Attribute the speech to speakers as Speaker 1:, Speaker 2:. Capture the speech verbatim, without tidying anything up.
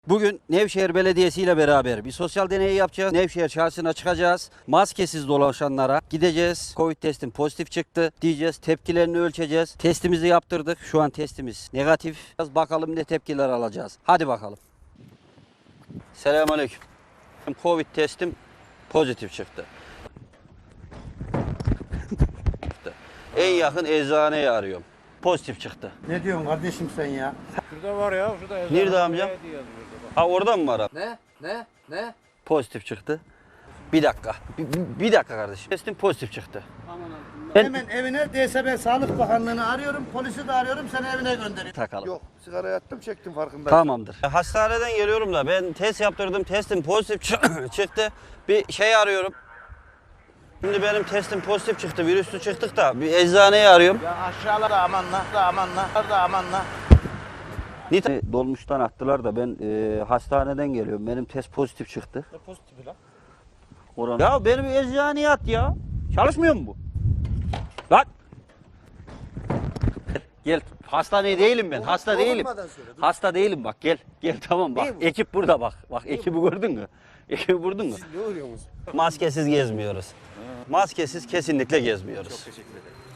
Speaker 1: Bugün Nevşehir Belediyesi ile beraber bir sosyal deney yapacağız. Nevşehir çarşısına çıkacağız. Maskesiz dolaşanlara gideceğiz. Covid testim pozitif çıktı diyeceğiz. Tepkilerini ölçeceğiz. Testimizi yaptırdık. Şu an testimiz negatif. Biraz bakalım ne tepkiler alacağız. Hadi bakalım. Selamünaleyküm. Covid testim pozitif çıktı. En yakın eczaneyi arıyorum. Pozitif çıktı.
Speaker 2: Ne diyorsun kardeşim sen ya?
Speaker 3: Şurada var ya, şurada yazar.
Speaker 1: Nerede amcam? Ha orada mı var?
Speaker 4: Ne? Ne? Ne?
Speaker 1: Pozitif çıktı. Bir dakika. Bir, bir dakika kardeşim. Testim pozitif çıktı. Ben
Speaker 2: Hemen evine D S B Sağlık Bakanlığı'nı arıyorum, polisi de arıyorum, seni evine gönderiyorum.
Speaker 1: takalım.
Speaker 2: Yok, sigara yattım çektim farkındayım.
Speaker 1: Tamamdır. Hastaneden geliyorum da ben test yaptırdım. Testim pozitif çı- çıktı. Bir şey arıyorum. Şimdi benim testim pozitif çıktı. Virüslü çıktık da bir eczaneyi arıyorum.
Speaker 2: Ya aşağıda amanla, da amanla, da amanla.
Speaker 1: Nite dolmuştan attılar da ben e, hastaneden geliyorum. Benim test pozitif çıktı.
Speaker 3: Ne pozitifi lan?
Speaker 1: Oran. Ya benim eczaneye at ya. Çalışmıyor mu bu? Lan. Gel. Hasta değilim ben. Hasta değilim. Hasta değilim bak gel. Gel tamam bak. Ekip burada bak. Bak ekibi gördün mü? Ekibi gördün mü?
Speaker 3: Ne oluyorsunuz?
Speaker 1: Maskesiz gezmiyoruz. Maskesiz kesinlikle gezmiyoruz.
Speaker 3: Teşekkür ederim.